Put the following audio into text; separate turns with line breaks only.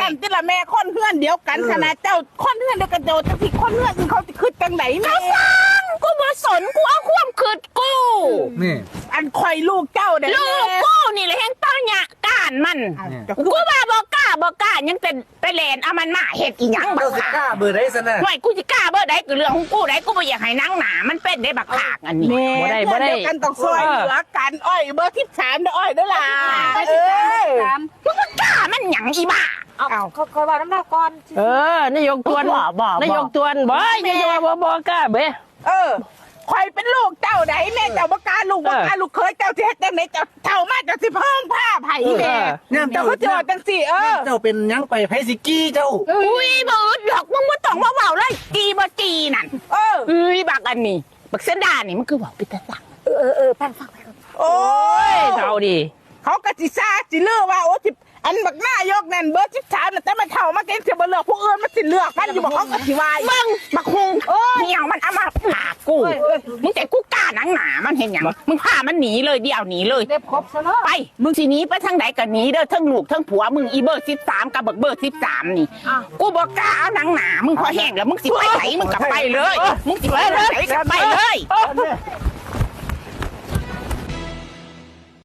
นที่ละแม่คนเพื่อนเดียวกันขนาดเจ้าคนเพื่อนเดียวกันเจ้าจะผิดคนเพื่อนอื่นเขาจะคืดจังไหนแม่
กูบ่สนกูเอาความคืดกู
นี่
อันคอยลูกเจ้าเด้
ลูกกูนี่แหละแห่งต้อนหยะก้านมันกูว่าบ่กล้ายังเป็นไปแลนเอามันมาเฮ็ดอีหยังบั
เจ้าก สิ
ขาก
ล้าเบอร์ได้ซะนะ
ห่วยกูสิกล้าเบ่ได้ก็เรื่องของกูได้กูบ่อยากให้นางหนามันเป็นได้บักขากอันนี้
แม่
บ่ได้
เพื่อนเดียวกันต้องซอยเหลือกันอ้อยเบอร์13เด้ออ้อยเด้อล่ะ
มึงบ่กล้ามันหยังอีบ้า
เอาเขาว่าน้ำหนักก่อน
นายกตวนนายกตวนบ่ยายว่าบ่กล้าเบ้
คอยเป็นลูกเจ้าไหนแม่เจ้าบ่กล้าลูกเคยเจ้าสิเฮ็ดจังไหนเจ้าเท่ามาเจ้าสิเพิ่มผ้าไผ่แม่
เนี่ย
เจ้าก็เจอจังสิ
เจ้าเป็นยังไปไผสิกี้เจ้า
อุ้ยบ่อึดหรอกมึงบ่ต้องมาเว้าเลยจีบ่จีนั่นอุ้ยบักอันนี้บักเสนดานี่มันคือเว้าปิตะสัง
ฟัง
โอ้ย
เท่าดี
เขากะสิซาสิเลือกว่าโอ้ที่อันบักหน้ายกนั่นเบอร์13น่ะแต่มันเท่ามาเก่งสิบ่เลือกผู้อื่นมันสิเลือกมันอยู่บ่เขากะสิวาย
มึงบักฮุงเหี่ยวมันเอามาผากูมึงแต่กูกล้าหนังหนามันเห็นหยังมึงพามันหนีเลยเดี่ยวหนีเลย
เด็บครบซะเนาะ
ไปมึงสิหนีไปทางไหนก็หนีเด้อทั้งลูกทั้งผัวมึงอีเบอร์13กับเบอร์13นี่กูบ่กล้าเอาหนังหนามึงพอแห้งแล้วมึงสิไปไหนมึงก็ไปเลยมึงสิไปไหนก็ไปเลย